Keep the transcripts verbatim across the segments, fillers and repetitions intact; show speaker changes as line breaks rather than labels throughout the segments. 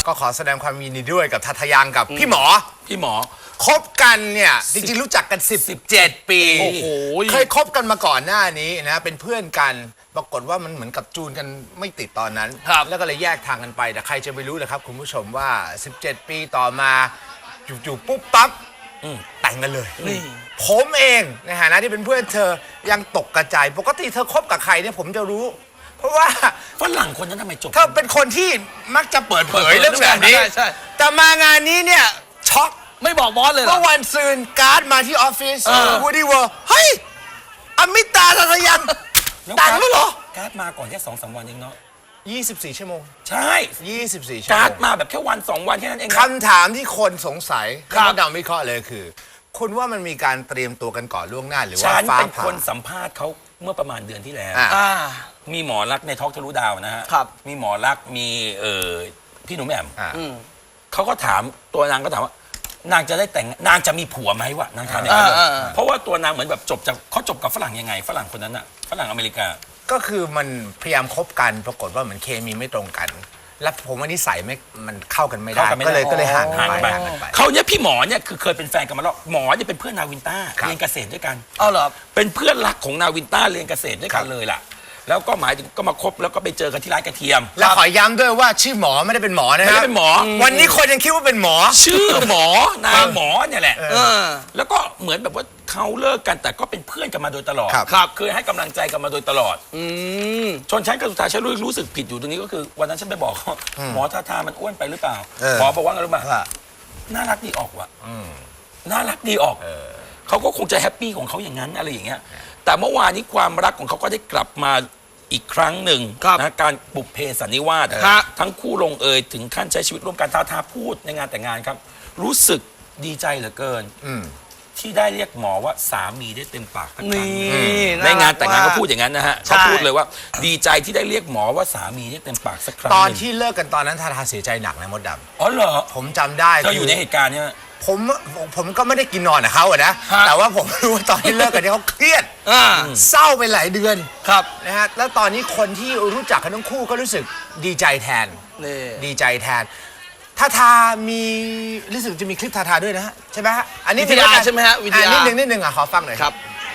ก็ขอแสดงความยินดีด้วยกับทัทยังกับพี่หมอ
พี่หมอ
คบกันเนี่ยจริงๆรู้จักกันสิบเจ็ดปีโอ้โหเคยคบกันมาก่อนหน้านี้นะเป็นเพื่อนกันปรากฏว่ามันเหมือนกับจูนกันไม่ติดตอนนั้นแล้วก็เลยแยกทางกันไปแต่ใครจะไปรู้เลยครับคุณผู้ชมว่าสิบเจ็ดปีต่อมาจู่ๆปุ๊บปั๊บแต่งกันเลยผมเองในฐานะที่เป็นเพื่อนเธอยังตกกระจายปกติเธอคบกับใครเนี่ยผมจะรู้เพราะว่า
ฝรั่งคนนั้นทำไมจบ
เธอเป็นคนที่มักจะเปิดเผยเรื่องแบบนี้แต่มางานนี้เนี่ยช็อก
ไม่บอกบอสเลยเหรอ
เมื่อวันซืนการ์ดมาที่ออฟฟิศวูดี้เวิร์เฮ้ยอมิตาทัทยังแต่งแล้วเหรอ
การ์ดมาก่อนแค่สองสามวันเองเนาะ
ยี่สิบสี่ชั่วโมง
ใช่
ยี่สิบสี่ชั่วโมง
การ์ดมาแบบแค่วันสองวันแค่นั้นเอง
คำถามที่คนสงสัยที่มดดำวิเคราะห์เลยคือคุณว่ามันมีการเตรียมตัวกันก่อนล่วงหน้าหรือว่า
ฟ้าผ่าฉันเป็นคนสัมภาษณ์เขาเมื่อประมาณเดือนที่แล้วมีหมอรักในทอล์กทะลุดาวนะฮะมีหมอรักมีเอ่อพี่หนุ่มแหม่มเขาก็ถามตัวนางก็ถามว่านางจะได้แต่งนางจะมีผัวไหมวะนางถามอย่างนั้นเพราะว่าตัวนางเหมือนแบบจบจากเขาจบกับฝรั่งยังไงฝรั่งคนนั้นอะฝรั่งอเมริกา
ก็คือมันพยายามคบกันปรากฏว่าเหมือนเคมีไม่ตรงกันแล้วผมว่านิสัยไม่มันเข้ากันไม่ได้ก็เลยก็เลยห่างกันไป
เขาเนี่ยพี่หมอเนี่ยคือเคยเป็นแฟนกันมาแล้วหมอเนี่ยเป็นเพื่อนนาวินต้าเรียนเกษตรด้วยกัน
อ๋อเหรอ
เป็นเพื่อนรักของนาวินต้าเรียนเกษตรด้วยกันเลยล่ะแล้วก็หมายถึงก็มาคบแล้วก็ไปเจอกันที่ร้านกระเทียม
แล้วขอย้ำด้วยว่าชื่อหมอไม่ได้เป็นหมอนะ
ไม่ได้เป็นหมอ
วันนี้คนยังคิดว่าเป็นหมอ
ชื่อหมอนายหมอเนี่ยแหละแล้วก็เหมือนแบบว่าเขาเลิกกันแต่ก็เป็นเพื่อนกันมาโดยตลอดครับเคยให้กำลังใจกันมาโดยตลอดจนฉันก็สุดท้ายฉันรู้สึกผิดอยู่ตรงนี้ก็คือวันนั้นฉันไปบอกเขาหมอทาทามันอ้วนไปหรือเปล่าหมอบอกว่าไงรู้ไหมน่ารักดีออกว่ะน่ารักดีออกเขาก็คงจะแฮปปี้ของเขาอย่างนั้นอะไรอย่างเงี้ยแต่เมื่อวานนี้ความรักของเขาก็ได้กลับมาอีกครั้งหนึ่งนะการบุพเพสันนิวาสทั้งคู่ลงเอยถึงขั้นใช้ชีวิตร่วมกันท้าทาพูดในงานแต่งงานครับรู้สึกดีใจเหลือเกินที่ได้เรียกหมอว่าสามีได้เต็มปากทั้งครั้งในงานแต่งงานเขาพูดอย่างนั้นนะฮะเขาพูดเลยว่าดีใจที่ได้เรียกหมอว่าสามีได้เต็มปากสักครั้ง
ตอนที่เลิกกันตอนนั้นทาทาเสียใจหนักนะมดดำ
อ๋อเหรอ
ผมจำได้
เธออยู่ในเหตุการณ์เนี่ย
ผมผมก็ไม่ได้กินนอนกับเขาอะนะแต่ว่าผมรู้ว่าตอนที่เลิกกันเนี่ยเขาเครียดเศร้าไปหลายเดือน
ครับ
นะฮะแล้วตอนนี้คนที่รู้จักกันทั้งคู่ก็รู้สึกดีใจแทนดีใจแทนทาทามีรู้สึกจะมีคลิปทาทาด้วยนะฮะใช่ไหมฮะ
อันนี้วิดีโอใช่ไหมฮะวิดีโอ
นิดนึงนิดนึงอ่ะขอฟังหน่อย
ครับ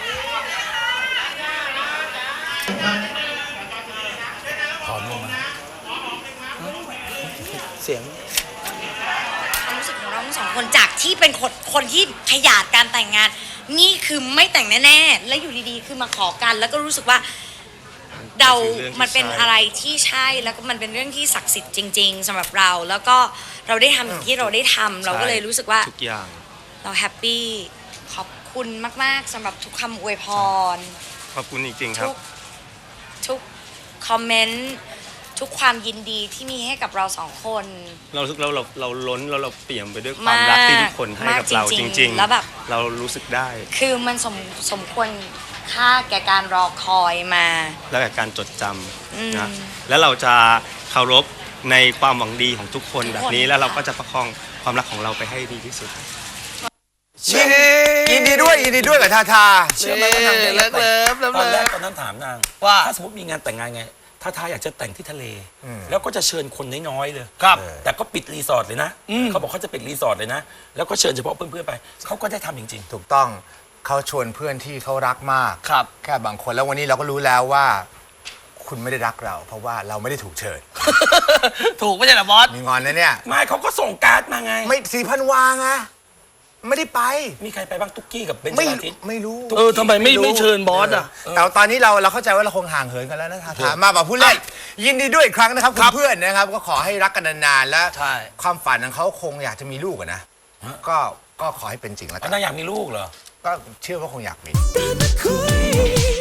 ขอลงมา
เสียง
ความรู้สึกของเราทั้งสองคนจากที่เป็นคนคนที่ขยาดการแต่งงานนี่คือไม่แต่งแน่ๆและอยู่ดีๆคือมาขอกันแล้วก็รู้สึกว่าเรามันเป็นอะไรที่ใช่แล้วก็มันเป็นเรื่องที่ศักดิ์สิทธิ์จริงๆสำหรับเราแล้วก็เราได้ทำอย่างที่เราได้ทำเราก็เลยรู้สึกว่า
ทุกอย่าง
เราแฮปปี้ขอบคุณมากๆสำหรับทุกคำอวยพร
ขอบคุณจริงๆครับ
ทุกทุกคอมเมนต์ทุกความยินดีที่มีให้กับเราสองคน
เราเราเราเราล้นแล้วเราเปี่ยมไปด้วยความรักที่ทุกคนให้กับเราจริงๆ
แล้วแบบ
เรารู้สึกได้
คือมันสมสมควรค่าแก่การรอคอยมา
และแก่การจดจำนะแล้วเราจะเคารพในความหวังดีของทุกคนแบบนี้แล้วเราก็จะประคองความรักของเราไปให้ดีที่สุด
ยินดีด้วยยินดีด้วยกับทาทา
เชื่อไหมว่านางเลิกเลิฟตอนแรกตอนนั้นถามนางว่าถ้าสมมติมีงานแต่งงานไงทาทาอยากจะแต่งที่ทะเลแล้วก็จะเชิญคนน้อยๆเลย
ครับ
แต่ก็ปิดรีสอร์ทเลยนะเขาบอกเขาจะปิดรีสอร์ทเลยนะแล้วก็เชิญเฉพาะเพื่อนๆไปเขาก็ได้ทำจริงๆ
ถูกต้องเขาชวนเพื่อนที่เขารักมาก
ครับ
แค่บางคนแล้ววันนี้เราก็รู้แล้วว่าคุณไม่ได้รักเราเพราะว่าเราไม่ได้ถูกเชิญ
ถูกไม่ใช่เหรอบอส
มีงอนนะเนี่ย
ไม่เขาก็ส่งการ์ดมาไง
ไม่สี่พันวางอะไม่ได้ไป
มีใครไปบ้างตุ๊กกี้กับเบนจาทิต
ไม่รู้
เออทำไมไม่ไม่เชิญบอสอ่ะ
แต่ตอนนี้เราเราเข้าใจว่าเราคงห่างเหินกันแล้วนะทาทามาแบบพูดเล่นยินดีด้วยอีกครั้งนะครับคุณเพื่อนนะครับก็ขอให้รักกันนานๆและความฝันของเขาคงอยากจะมีลูกนะก็ก็ขอให้เป็นจริงแล้วกัน
นางอยากมีลูกเหรอ
ก็เชื่อว่าคงอยากมี